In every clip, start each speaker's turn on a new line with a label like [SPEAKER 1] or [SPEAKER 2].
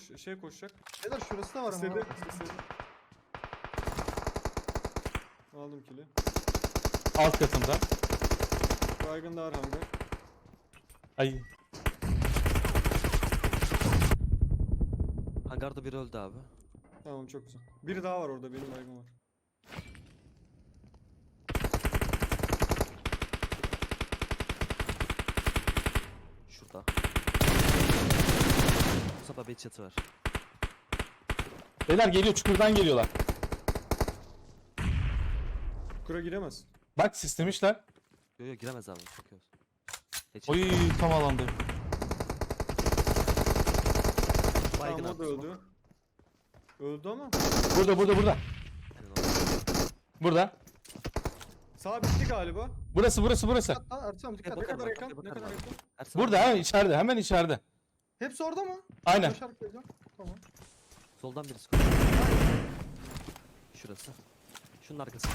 [SPEAKER 1] şey koşacak.
[SPEAKER 2] Beyler şurası da var ama.
[SPEAKER 1] İstedi. İstedi. Aldım kili.
[SPEAKER 3] Alt katında.
[SPEAKER 1] Baygın da Arhan'da.
[SPEAKER 3] Ay.
[SPEAKER 4] Hangarda biri öldü abi.
[SPEAKER 1] Tamam çok güzel. Biri daha var orada, benim baygın var.
[SPEAKER 4] Şurada. Mustafa bir çatı var.
[SPEAKER 3] Beyler geliyor, çukurdan geliyorlar.
[SPEAKER 1] Kura giremez.
[SPEAKER 3] Bak sistemişler.
[SPEAKER 4] Yo yo giremez abi. Bakıyoruz.
[SPEAKER 3] Oy tam alanda.
[SPEAKER 4] Baygın
[SPEAKER 1] Tamam o da
[SPEAKER 4] abi.
[SPEAKER 1] öldü. Öldü ama.
[SPEAKER 3] Burada.
[SPEAKER 4] Aynen o.
[SPEAKER 3] Burada.
[SPEAKER 1] Sağ bitti galiba.
[SPEAKER 3] Burası.
[SPEAKER 2] Hatta Ertuğrul dikkat.
[SPEAKER 1] Ne
[SPEAKER 4] Bakarım
[SPEAKER 1] kadar
[SPEAKER 4] abi,
[SPEAKER 1] yakın? Ne
[SPEAKER 4] bakarım
[SPEAKER 1] kadar
[SPEAKER 4] abi.
[SPEAKER 1] yakın?
[SPEAKER 4] Ersin
[SPEAKER 3] Burada
[SPEAKER 4] abi,
[SPEAKER 3] ha, içeride, hemen içeride.
[SPEAKER 2] Hepsi orada mı?
[SPEAKER 3] Aynen.
[SPEAKER 2] Koşarak geleceğim. Tamam.
[SPEAKER 4] soldan birisi koşuyor. Şurası. Şunun arkasında.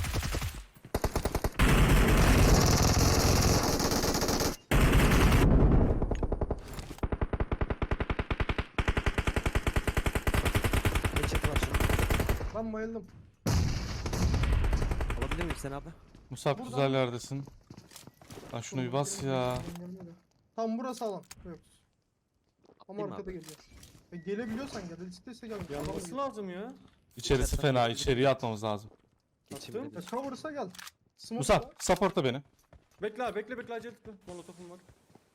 [SPEAKER 4] Bir çatı var şurada.
[SPEAKER 2] Ben bayıldım.
[SPEAKER 4] Alabilir miyim sen abi?
[SPEAKER 3] Musab
[SPEAKER 2] Buradan-
[SPEAKER 3] güzel yerdesin. Lan şunu bir bas ya.
[SPEAKER 2] Tam burası alan. Yok. Ama
[SPEAKER 4] Atlayayım mı
[SPEAKER 2] arkada
[SPEAKER 4] abi?
[SPEAKER 2] geliyor. Gelebiliyorsan gel. İstese gel.
[SPEAKER 1] Yanması lazım ya.
[SPEAKER 3] İçerisi fena, içeriye atmamız lazım.
[SPEAKER 4] Geçeyim
[SPEAKER 1] Attım.
[SPEAKER 4] dedi.
[SPEAKER 2] Cover'sa gel. Smoke
[SPEAKER 3] Musab,
[SPEAKER 2] var.
[SPEAKER 3] supportla beni.
[SPEAKER 1] Bekle abi, bekle acele etme. Molotofum var.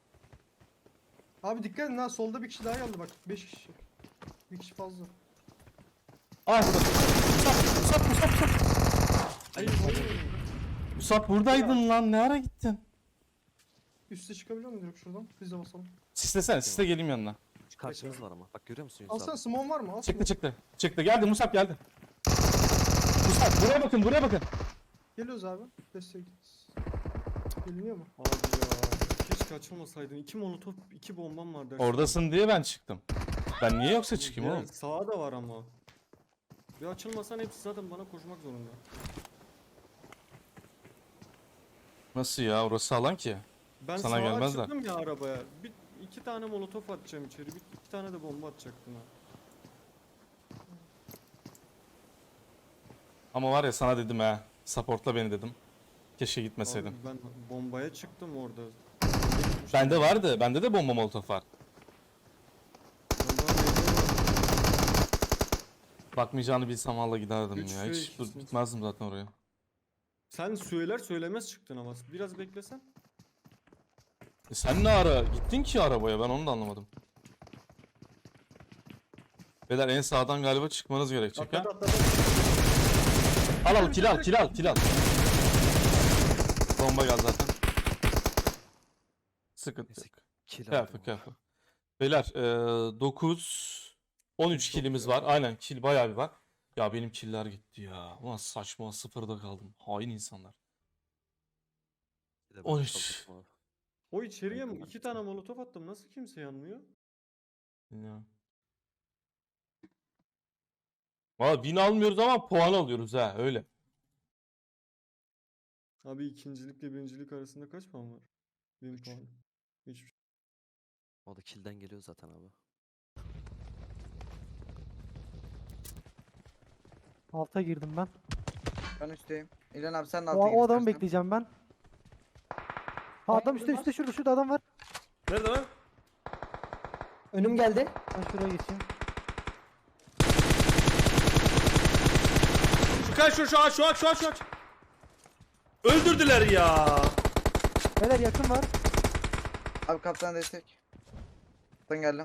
[SPEAKER 2] Abi dikkat edin ha, solda bir kişi daha geldi bak. 5 kişi. Bir kişi fazla.
[SPEAKER 3] Ah burada. Musab.
[SPEAKER 1] Ay,
[SPEAKER 3] Musab buradaydın lan, ne ara gittin?
[SPEAKER 2] Üste çıkabiliyor muyum direkt şuradan? Biz de basalım.
[SPEAKER 3] Sislesene, sisle geleyim yanına.
[SPEAKER 4] Şu karşımız var ama. Bak görüyor musun Yunus
[SPEAKER 2] Alsana
[SPEAKER 4] abi?
[SPEAKER 2] smoke var mı? Al
[SPEAKER 3] Çıktı. Geldi Musab geldi. Musab buraya bakın.
[SPEAKER 2] Geliyoruz abi. Destek. Geliniyor mu?
[SPEAKER 1] Abi ya. Keşke açılmasaydın. 2 molotof, 2 bombam var dersin.
[SPEAKER 3] Oradasın diye ben çıktım. Ben niye yoksa çıkayım oğlum?
[SPEAKER 1] Sağa da var ama. Bir açılmasan hepsi zaten bana koşmak zorunda.
[SPEAKER 3] Nasıl ya, orası alan ki?
[SPEAKER 1] Ben
[SPEAKER 3] Sana
[SPEAKER 1] sağa
[SPEAKER 3] gelmezler.
[SPEAKER 1] açıldım ya arabaya. İki tane molotof atacağım içeri. İki tane de bomba atacaktım ha.
[SPEAKER 3] Ama var ya sana dedim ha. Supportla beni dedim. Keşke
[SPEAKER 1] Abi
[SPEAKER 3] gitmeseydim.
[SPEAKER 1] ben bombaya çıktım orada.
[SPEAKER 3] Bende vardı. Bende de bomba molotof var. Bakmayacağını bilsem valla giderdim
[SPEAKER 1] Üç
[SPEAKER 3] ya.
[SPEAKER 1] ve
[SPEAKER 3] Hiç
[SPEAKER 1] ikisiniz.
[SPEAKER 3] gitmezdim zaten oraya.
[SPEAKER 1] Sen söyler söylemez çıktın ama. Biraz beklesen.
[SPEAKER 3] Sen ne ara gittin ki arabaya, ben onu da anlamadım. Beyler en sağdan galiba çıkmanız gerekecek ha.
[SPEAKER 1] Atladı.
[SPEAKER 3] Al kill al. Bomba geldi zaten. Sıkıntı
[SPEAKER 4] Neyse,
[SPEAKER 3] yok.
[SPEAKER 4] Kill
[SPEAKER 3] Kıyafet
[SPEAKER 4] aldım.
[SPEAKER 3] kıyafet. Beyler 9 13 killimiz var. Aynen kill bayağı bir var. Ya benim killer gitti ya. Ulan saçma, sıfırda kaldım. Hain insanlar.
[SPEAKER 4] Bir de ben
[SPEAKER 3] 13.
[SPEAKER 4] çalıştım abi.
[SPEAKER 1] O içeriye mi?
[SPEAKER 4] Yakın
[SPEAKER 1] 2 tane molotof attım. Nasıl kimse yanmıyor?
[SPEAKER 3] Ya. Valla win almıyoruz ama puan alıyoruz ha, öyle.
[SPEAKER 1] Abi ikincilikle birincilik arasında kaç puan var? 1000 puan. Hiçbir şey.
[SPEAKER 4] O da kill'den geliyor zaten abi.
[SPEAKER 5] Alta girdim ben.
[SPEAKER 6] Ben üstteyim. İlhan abi sen de
[SPEAKER 5] O,
[SPEAKER 6] alta gir
[SPEAKER 5] o adamı
[SPEAKER 6] istersen.
[SPEAKER 5] bekleyeceğim ben. Ha, adam üstte şurada adam var.
[SPEAKER 1] Nerede lan?
[SPEAKER 7] Önüm geldi.
[SPEAKER 5] Ben şuraya geçeyim.
[SPEAKER 1] Şu aç. Öldürdüler ya.
[SPEAKER 5] Beyler yakın var.
[SPEAKER 6] Abi kaptan destek. Kaptan geldim.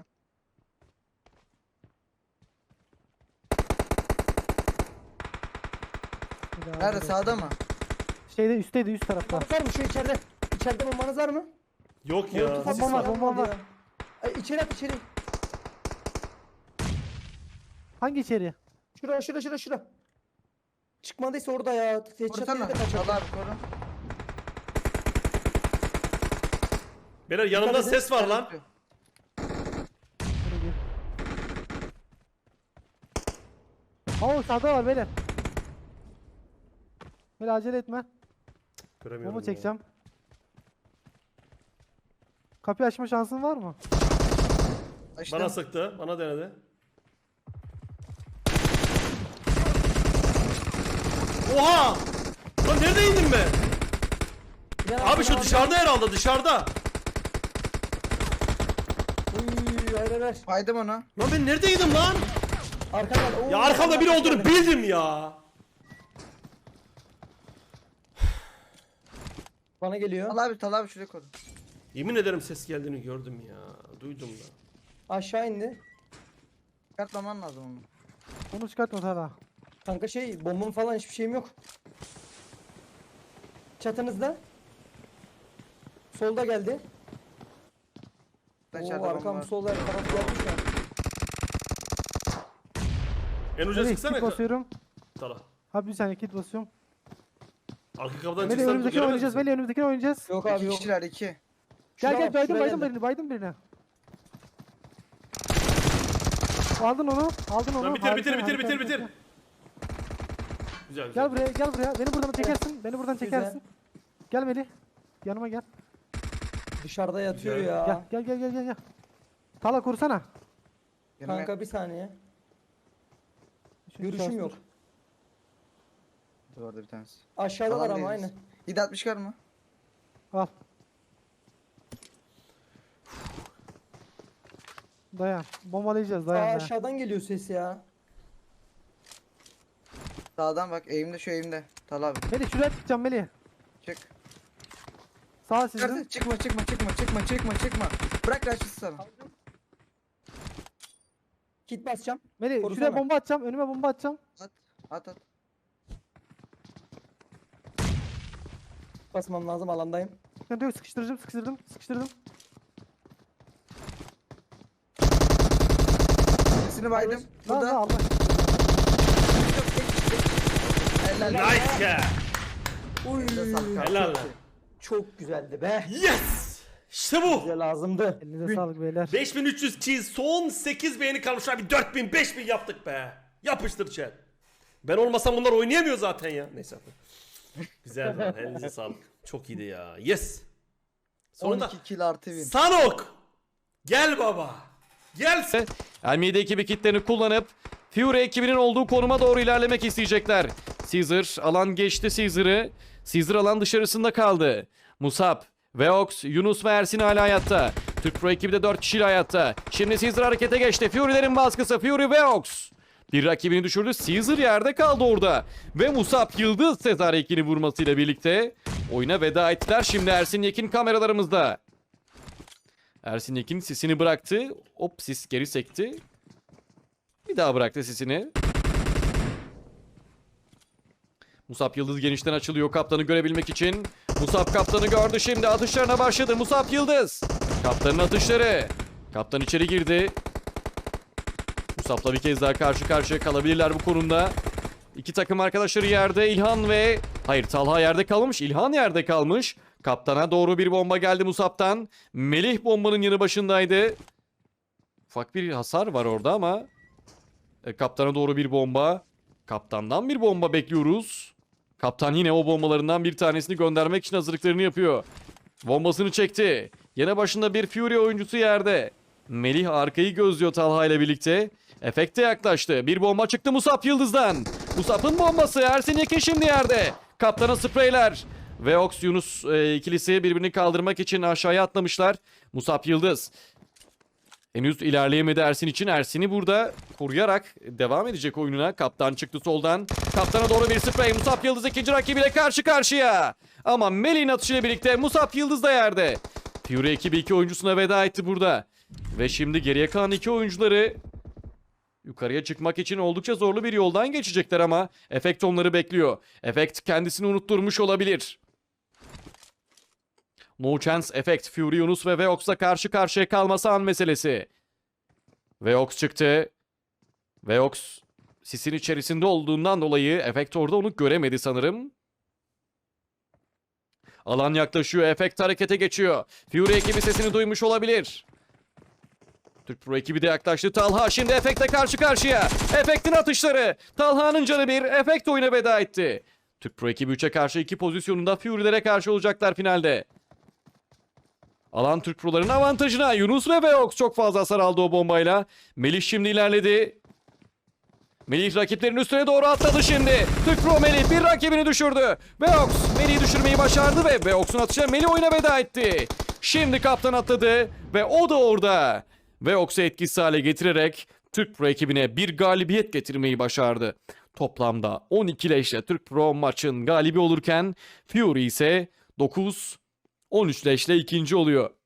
[SPEAKER 5] Bir daha
[SPEAKER 6] Nerede
[SPEAKER 5] buraya.
[SPEAKER 6] sağda mı?
[SPEAKER 5] Şeyde üstteydi, üst tarafta.
[SPEAKER 7] Bombanız var mı şu içeride? İçeride bombanız var mı?
[SPEAKER 1] Yok
[SPEAKER 7] Molotof
[SPEAKER 5] Bomba var,
[SPEAKER 7] atmış
[SPEAKER 5] bomba var.
[SPEAKER 7] ya. Ay, içeri at içeri.
[SPEAKER 5] Hangi içeri?
[SPEAKER 7] Şura. Çıkmadıysa orada ya.
[SPEAKER 6] Korusana. Al abi koru.
[SPEAKER 1] Beyler yanımda
[SPEAKER 7] Dikkat edin.
[SPEAKER 1] ses var lan.
[SPEAKER 5] Şuraya gir. Oo sağda var beyler. Böyle acele etme. Bomba çekeceğim. Kapıyı açma şansın var mı?
[SPEAKER 6] Açtım.
[SPEAKER 1] Bana sıktı. Bana denedi.
[SPEAKER 8] Oha! Lan nerede indim ben?
[SPEAKER 7] İlhan
[SPEAKER 8] Abi şu
[SPEAKER 7] sana
[SPEAKER 8] dışarıda herhalde dışarıda.
[SPEAKER 7] Uy, hayır hayır.
[SPEAKER 6] Baydım onu.
[SPEAKER 8] Lan ben neredeydim lan?
[SPEAKER 7] Arkadan. Oo,
[SPEAKER 8] Ya arkamda biri olduğunu bildim ya.
[SPEAKER 7] Bana geliyor.
[SPEAKER 6] Tal abi şuraya koru.
[SPEAKER 8] Yemin ederim ses geldiğini gördüm ya. Duydum da.
[SPEAKER 7] Aşağı indi.
[SPEAKER 6] Çıkartmaman lazım onu.
[SPEAKER 5] Onu çıkartma Talha.
[SPEAKER 7] Kanka bombam falan hiçbir şeyim yok. Çatınızda. Solda geldi.
[SPEAKER 6] Ben
[SPEAKER 7] Oo,
[SPEAKER 6] içeride
[SPEAKER 7] arkam
[SPEAKER 6] bomba var.
[SPEAKER 7] solda taraf gelmiş ya.
[SPEAKER 8] En uca
[SPEAKER 5] Melih
[SPEAKER 8] sıksana.
[SPEAKER 5] kit basıyorum.
[SPEAKER 8] Tala.
[SPEAKER 5] Abi bir saniye kit basıyorum.
[SPEAKER 8] Arka kapıdan
[SPEAKER 5] Melih
[SPEAKER 8] çıksan
[SPEAKER 5] önümüzdekini
[SPEAKER 8] göremez
[SPEAKER 5] oynayacağız.
[SPEAKER 8] misin?
[SPEAKER 5] Melih önümüzdekini oynayacağız.
[SPEAKER 7] Yok abi
[SPEAKER 6] İki
[SPEAKER 7] yok.
[SPEAKER 6] kişiler 2.
[SPEAKER 5] Gel
[SPEAKER 7] Şuna
[SPEAKER 5] gel
[SPEAKER 7] bak,
[SPEAKER 5] baydım
[SPEAKER 7] şuraya
[SPEAKER 5] baydım
[SPEAKER 7] geldi.
[SPEAKER 5] birini baydım birini. Aldın onu. Aldın onu.
[SPEAKER 8] Lan bitir
[SPEAKER 5] Harika,
[SPEAKER 8] bitir bitir
[SPEAKER 5] harika,
[SPEAKER 8] bitir
[SPEAKER 5] harika.
[SPEAKER 8] bitir. Güzel güzel.
[SPEAKER 5] Gel buraya gel buraya. Beni buradan çekersin. Beni buradan
[SPEAKER 7] Güzel.
[SPEAKER 5] çekersin. Gel Melih. Yanıma gel.
[SPEAKER 7] Dışarıda yatıyor
[SPEAKER 8] Güzel.
[SPEAKER 7] ya.
[SPEAKER 5] Gel. Tala kursana.
[SPEAKER 7] Kanka bir saniye.
[SPEAKER 5] Şu
[SPEAKER 7] Görüşüm
[SPEAKER 5] şahsın.
[SPEAKER 7] yok.
[SPEAKER 6] Orada bir tanesi.
[SPEAKER 7] Aşağıdalar
[SPEAKER 6] Alan
[SPEAKER 7] ama
[SPEAKER 6] değiliz.
[SPEAKER 7] aynı.
[SPEAKER 6] 760 var mı?
[SPEAKER 5] Al. Dayan. Bombalayacağız dayan. dayan.
[SPEAKER 7] Aşağıdan geliyor ses ya.
[SPEAKER 6] Sağdan bak eğimde şu eğimde. Tal abi.
[SPEAKER 5] Melih şuraya çıkacağım Melih.
[SPEAKER 6] Çık.
[SPEAKER 5] Sağ sizin.
[SPEAKER 6] Çıkarsın. Çıkma. Bırak raşit sana.
[SPEAKER 7] Kit basacağım.
[SPEAKER 5] Melih
[SPEAKER 7] Korusana.
[SPEAKER 5] şuraya bomba atacağım. Önüme bomba atacağım.
[SPEAKER 6] At.
[SPEAKER 7] Basmam lazım, alandayım.
[SPEAKER 5] Sıkıntı yok, sıkıştırdım.
[SPEAKER 6] Sesini baydım.
[SPEAKER 5] Lan
[SPEAKER 6] Burada.
[SPEAKER 5] Allah.
[SPEAKER 6] Helal.
[SPEAKER 8] Nice ya.
[SPEAKER 7] Uy.
[SPEAKER 6] Elinize sağlık abi.
[SPEAKER 8] Helal lan.
[SPEAKER 7] Çok güzeldi be.
[SPEAKER 8] Yes! İşte bu.
[SPEAKER 7] Bize lazımdı.
[SPEAKER 5] Elinize sağlık beyler.
[SPEAKER 8] 5300 kişi son 8 beğeni kalmış abi 4000 5000 yaptık be. Yapıştır chat. Ben olmasam bunlar oynayamıyor zaten ya. Neyse. Güzel lan elinize sağlık. Çok iyiydi ya. Yes. Sonunda
[SPEAKER 6] 12 kill artı win.
[SPEAKER 8] Sanok. Gel baba. Gel.
[SPEAKER 9] Elmide ekibi kitlerini kullanıp Fury ekibinin olduğu konuma doğru ilerlemek isteyecekler. Caesar alan geçti Caesar'ı. Caesar alan dışarısında kaldı. Musab, Veox, Yunus ve Ersin hala hayatta. Türk Pro ekibi de 4 kişiyle hayatta. Şimdi Caesar harekete geçti. Fury'lerin baskısı. Fury Veox. Bir rakibini düşürdü. Caesar yerde kaldı orada. Ve Musab Yıldız Sezar Yekin'i vurmasıyla birlikte oyuna veda ettiler. Şimdi Ersin Yekin kameralarımızda. Ersin Yekin sisini bıraktı. Hop sis geri sekti. Bir daha bıraktı sisini. Musab Yıldız genişten açılıyor kaptanı görebilmek için. Musab kaptanı gördü şimdi atışlarına başladı. Musab Yıldız. Kaptanın atışları. Kaptan içeri girdi. Musab'la bir kez daha karşı karşıya kalabilirler bu konumda. İki takım arkadaşları yerde. İlhan ve... Hayır Talha yerde kalmış. İlhan yerde kalmış. Kaptana doğru bir bomba geldi Musab'tan. Melih bombanın yanı başındaydı. Ufak bir hasar var orada ama... kaptana doğru bir bomba. Kaptandan bir bomba bekliyoruz. Kaptan yine o bombalarından bir tanesini göndermek için hazırlıklarını yapıyor. Bombasını çekti. Yine başında bir Fury oyuncusu yerde. Melih arkayı gözlüyor Talha ile birlikte. Efekte yaklaştı. Bir bomba çıktı Musab Yıldız'dan. Musab'ın bombası. Ersin Yekin şimdi yerde. Kaptana spreyler. Veox Yunus ikilisi birbirini kaldırmak için aşağıya atlamışlar. Musab Yıldız. Henüz ilerleyemedi Ersin için. Ersin'i burada koruyarak devam edecek oyununa. Kaptan çıktı soldan. Kaptana doğru bir sprey. Musab Yıldız ikinci rakibiyle karşı karşıya. Ama Melih'in atışıyla birlikte Musab Yıldız da yerde. Fury ekibi 2 oyuncusuna veda etti burada. Ve şimdi geriye kalan 2 oyuncuları yukarıya çıkmak için oldukça zorlu bir yoldan geçecekler ama Efekt onları bekliyor. Efekt kendisini unutturmuş olabilir. No Chance Effect, Fury Yunus ve Veox'la karşı karşıya kalması an meselesi. Veox çıktı. Veox sisin içerisinde olduğundan dolayı Effect orada onu göremedi sanırım. Alan yaklaşıyor. Effect harekete geçiyor. Fury ekibi sesini duymuş olabilir. Türk Pro ekibi de yaklaştı. Talha şimdi Effect'le karşı karşıya. Effect'in atışları. Talha'nın canı bir. Effect oyuna veda etti. Türk Pro ekibi 3'e karşı 2 pozisyonunda Fury'lere karşı olacaklar finalde. Alan Türk Pro'ların avantajına. Yunus ve Veox çok fazla hasar aldı o bombayla. Melih şimdi ilerledi. Melih rakiplerin üstüne doğru atladı şimdi. Türk Pro Melih bir rakibini düşürdü. Veox Melih'i düşürmeyi başardı ve Veox'un atışıyla Melih oyuna veda etti. Şimdi kaptan atladı ve o da orada. Veox'u etkisiz hale getirerek Türk Pro ekibine bir galibiyet getirmeyi başardı. Toplamda 12 leşle Türk Pro maçın galibi olurken Fury ise 9-13 leşle ikinci oluyor.